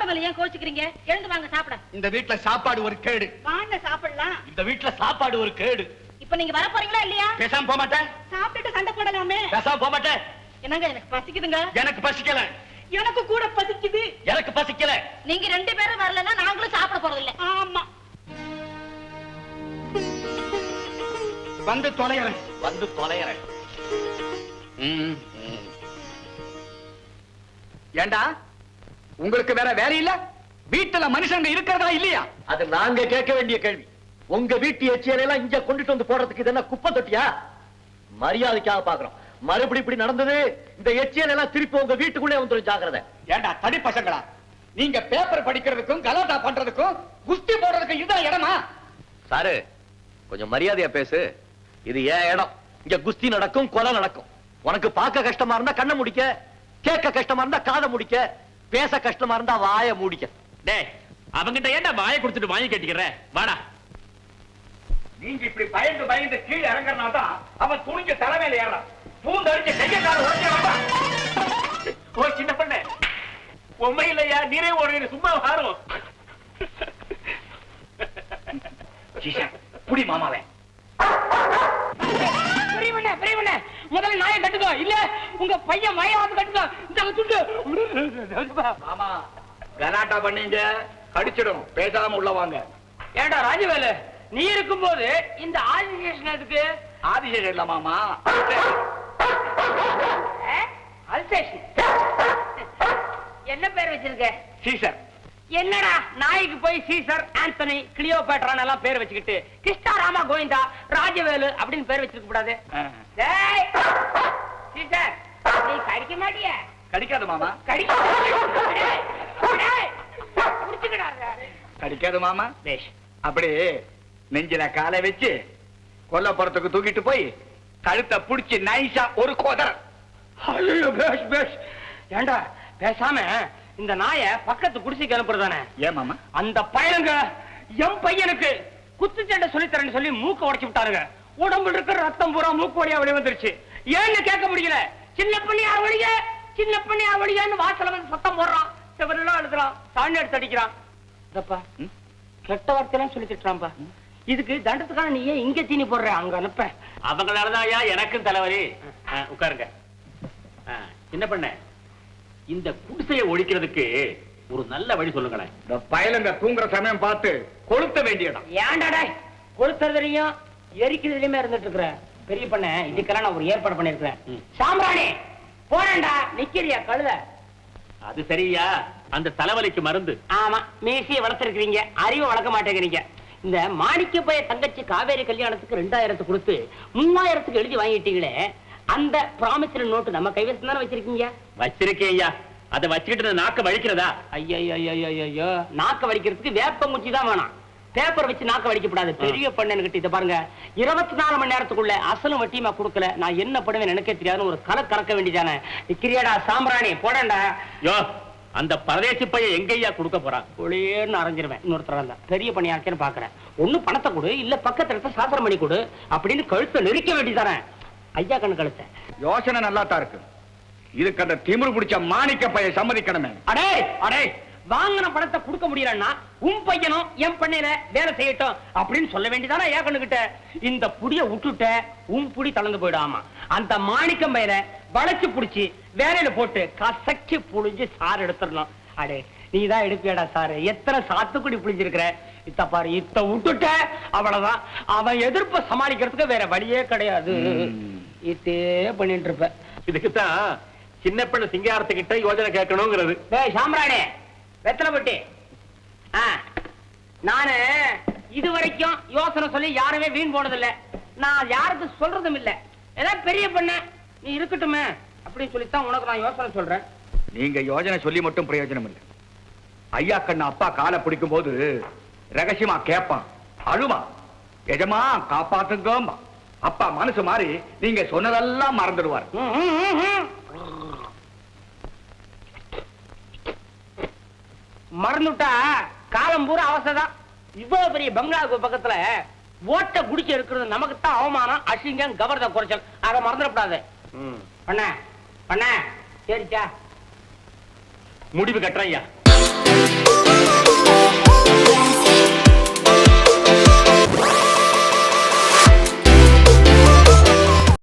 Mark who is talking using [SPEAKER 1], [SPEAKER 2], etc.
[SPEAKER 1] போறதில்ல, ஏன் கோச்சுக்கிறீங்க? எழுந்து வாங்க சாப்பிட.
[SPEAKER 2] இந்த வீட்டுல சாப்பாடு ஒரு கேடு.
[SPEAKER 1] வாங்க சாப்பிடலாம்.
[SPEAKER 2] இந்த வீட்டுல சாப்பாடு ஒரு கேடு.
[SPEAKER 1] இப்ப நீங்க வர போறீங்களா இல்லையா?
[SPEAKER 2] பேசாம போக மாட்டேன்.
[SPEAKER 1] சாப்பிட்டுட்டு சண்டை போடலாமே.
[SPEAKER 2] பேசாம போக மாட்டேன்.
[SPEAKER 1] என்னங்க, எனக்கு பசிக்குதுங்க.
[SPEAKER 2] எனக்கு பசிக்கல.
[SPEAKER 1] எனக்கு கூட பசிக்குது.
[SPEAKER 2] எனக்கு பசிக்கல.
[SPEAKER 1] நீங்க 2 பேரும் வரலன்னா நாங்களும் சாப்பிட போறதில்ல. ஆமா,
[SPEAKER 2] வந்து தொலைறேன். வந்து தொலைறேன். ஏண்டா, உங்களுக்கு வேற வேலை இல்ல? வீட்டுல மனுஷங்க இருக்கிறதா இல்லையா?
[SPEAKER 3] அது நாங்க கேட்க வேண்டிய கேள்வி. உங்க வீட்டு எச்சியெல்லாம் இங்க கொண்டுட்டு வந்து போடுறதுக்கு இது என்ன குப்பை தொட்டியா? மரியாதைக்காக பாக்குறோம். மறுபடி இப்படி நடந்தது, இந்த எச்சியெல்லாம் திருப்பி உங்க வீட்டுக்குள்ளே வந்துடும். ஜாக்கிரதை.
[SPEAKER 2] ஏண்டா தடி பசங்களா, நீங்க பேப்பர் படிக்கிறதுக்கும் கலாட்டா பண்றதுக்கும் குஸ்தி போடுறதுக்கும் இதுதான் இடமா?
[SPEAKER 3] சாரு, கொஞ்சம் மரியாதையா பேசு. இது ஏன் இடம். இங்க குஸ்தி நடக்கும், கொலை நடக்கும். உனக்கு பார்க்க கஷ்டமா இருந்தா கண்ணை முடிக்க, கேட்க கஷ்டமா இருந்தா காதை முடிக்க, பேச கஷ்டமா இருந்தா வாயை மூடிக்க.
[SPEAKER 4] டேய், அவங்கிட்ட ஏன்டா வாயை கொடுத்துட்டு வாங்கி கேட்டுக்கிற? வாடா.
[SPEAKER 2] நீங்க இப்படி பயந்து பயந்து கீழே இறங்குறனால தான் அவன் துணிஞ்ச தலைமையில ஏறான். பூந்து அடிச்சு கைய கால உடைக்க வேண்டாம்.
[SPEAKER 4] ஓ சின்ன பண்ண, உண்மை இல்லையா? நீரே ஒரு சும்மா வாரும்.
[SPEAKER 2] புடி மாமாவே.
[SPEAKER 1] முதல்ல நாயை கட்டுக்கோ, இல்ல உங்க பையன் மயாவது கட்டுக்கோ.
[SPEAKER 2] மாமா, கலாட்டா பண்ணீங்க கடிச்சிடும். பேசாம உள்ள வாங்க.
[SPEAKER 1] ஏண்டா ராஜவேலு, நீ இருக்கும்போது இந்த ஆதிசேஷன் எதுக்கு?
[SPEAKER 2] ஆதிசேஷன் இல்ல மாமா,
[SPEAKER 1] அல்சேஷன். என்ன பேர் வச்சிருக்க?
[SPEAKER 2] சீசர்.
[SPEAKER 1] என்னடா நாய்க்கு போய் சீசர், ஆந்தனி, கிளியோபேட்ரான் எல்லாம் பேர் வச்சுக்கிட்டு கிருஷ்ணா ராமா கோவிந்தா ராஜவேலு அப்படின்னு பேர் வச்சிருக்க கூடாது. சீசர், நீ கடிக்க மாட்டிய?
[SPEAKER 2] கடிக்காது மாமா. கடிக்காது மாமா. அப்படி நெஞ்சில காலை வச்சு கொல்லப்புறத்துக்கு தூக்கிட்டு போய் கழுத்தை புடிச்சு நைசா ஒரு கோதர்.
[SPEAKER 1] ஏண்டா பேசாம இந்த நாய பக்கத்து குடிசைக்கு அனுப்புறதானே?
[SPEAKER 2] ஏன் மாமா?
[SPEAKER 1] அந்த பையனுங்க என் பையனுக்கு குத்துச்சண்டை சொல்லித்தரேன்னு சொல்லி மூக்க உடைச்சு விட்டாருங்க. உடம்புல இருக்கிற ரத்தம் பூரா மூக்கு வழியா வெளியே வந்துருச்சு. ஏன்னு கேட்க முடியல. சின்ன பண்ணியா வழிய, சின்ன பண்ணியா வழியான்னு வாசல வந்து சத்தம் போடுறான். செவரெல்லாம் எழுதுறான், சாணி எடுத்து அடிக்கிறான். இதப்பா கெட்ட வார்த்தையெல்லாம் சொல்லி திட்டுறான்பா. இதுக்கு தண்டத்துக்கான நீ ஏன் இங்க தீனி போடுற? அங்க அனுப்ப.
[SPEAKER 4] அவங்களாலதான் எனக்கும் தலைவலி. உட்காருங்க. என்ன பண்ண, இந்த குடிசையை ஒழிக்கிறதுக்கு ஒரு நல்ல வழி சொல்லுங்களேன்.
[SPEAKER 2] இந்த பயலுங்க தூங்குற சமயம் பார்த்து கொளுத்த வேண்டியதான்.
[SPEAKER 1] ஏன்டாடா கொளுத்துறதுலயும் எரிக்கிறதுலயுமே இருந்துட்டு இருக்கிற பெரிய பண்ண, இதுக்கெல்லாம் நான் ஒரு ஏற்பாடு பண்ணிருக்கிறேன். சாம்பிராணி போறேன்டா. நிக்கிறியா கழுத?
[SPEAKER 4] அது சரியா? அந்த தலைவலிக்கு மருந்து.
[SPEAKER 1] ஆமா, மீசியை வளர்த்திருக்கிறீங்க, அறிவை வளர்க்க மாட்டேங்கிறீங்க. இந்த மாணிக்க பைய தங்கச்சி காவேரி கல்யாணத்துக்கு 2000 கொடுத்து 3000 எழுதி வாங்கிட்டீங்களே, அந்த ப்ராமிசரி நோட்டு நம்ம கைவசம் தானே வச்சிருக்கீங்க?
[SPEAKER 4] வச்சிருக்கேன் ஐயா. அதை வச்சுக்கிட்டு நாக்க வலிக்கிறதா?
[SPEAKER 1] ஐயோ, நாக்க வலிக்கிறதுக்கு வேப்பங்குச்சி தான் வேணாம். பேப்பர் வச்சு நாக்க வலிக்கப்படாது. பெரிய பண்ணு இதை பாருங்க, 24 மணி நேரத்துக்குள்ள அசலும் வட்டியுமா கொடுக்கல, நான் என்ன பண்ணுவேன் எனக்கே தெரியாதுன்னு ஒரு கலை கறக்க வேண்டியதானே. கிரியாடா சாம்பிராணி போடண்டா.
[SPEAKER 4] யோ, அந்த பரதேசி பையன் எங்கய்யா கொடுக்க போறான்?
[SPEAKER 1] ஒளியேன்னு அரைஞ்சிருவேன். இன்னொருத்தர் தான் பெரிய பணியாக்கேன்னு பாக்குறேன். ஒண்ணு பணத்தை கொடு, இல்ல பக்கத்துல இருக்க சாஸ்திரம் பண்ணி கொடு அப்படின்னு கழுத்தை நெரிக்க வேண்டியதானே. ஐயா கண்ணு கழுத்த
[SPEAKER 2] யோசனை நல்லா தான் இருக்கு. இதுக்கு அந்த திமிரு பிடிச்ச மாணிக்க பைய சம்மதிக்கணுமே.
[SPEAKER 1] அடே அடே, வாங்கின பணத்தை கொடுக்க முடியலன்னா உன் பையனும் என் பண்ணையில வேலை செய்யட்டும் அப்படின்னு சொல்ல வேண்டியதானே ஐயா கண்ணுகிட்ட. இந்த புடிய விட்டுட்ட உன் புடி தளர்ந்து போயிடாமா. அந்த மாணிக்கம் பையல வளைச்சு புடிச்சு வேலையில போட்டு கசக்கி புழிஞ்சு சாறு எடுத்துடலாம். அடே, நீதான் எடுப்பியாடா சாரு. எத்தனை சாத்துக்குடி புளிஞ்சிருக்கிற. இத்த பாரு, இத்த விட்டுட்ட அவ்வளவுதான். அவன் எதிர்ப்ப சமாளிக்கிறதுக்கு வேற வழியே கிடையாது. இதே பண்ணிட்டு இருப்ப.
[SPEAKER 4] இதுக்குத்தான் சின்ன பெண்ணு சிங்காரத்துக்கிட்ட யோஜனை கேட்கணுங்கிறது.
[SPEAKER 1] சாம்ராணி வெத்தலை பட்டி, நானு இதுவரைக்கும் யோசனை சொல்லி யாருமே வீண் போனதில்லை. நான் யாருக்கு சொல்றதும் இல்ல. ஏதாவது பெரிய பண்ண நீ இருக்கட்டுமே அப்படின்னு சொல்லித்தான் உனக்கு நான் யோசனை சொல்றேன்.
[SPEAKER 2] நீங்க யோஜனை சொல்லி மட்டும் பிரயோஜனம் இல்லை. ஐயா கண்ணு அப்பா காலை பிடிக்கும் போது ரகசியமா கேட்பான், அழுமா, எஜமா காப்பாத்துங்க. அப்பா மனசு மாறி நீங்க சொன்னதெல்லாம் மறந்துடுவார்.
[SPEAKER 1] மறந்துட்டா காலம் பூரா அவசரம். இவ்வளவு பெரிய பங்களாவுக்கு பக்கத்துல ஓட்ட குடிச்சு இருக்கிறது நமக்கு தான் அவமானம், அசிங்கம், கவர்த குறைச்சல். அதை மறந்துடக்கூடாது. பண்ண பண்ண சரிச்சா?
[SPEAKER 4] முடிவு கட்டுறேன் ஐயா.
[SPEAKER 3] போங்க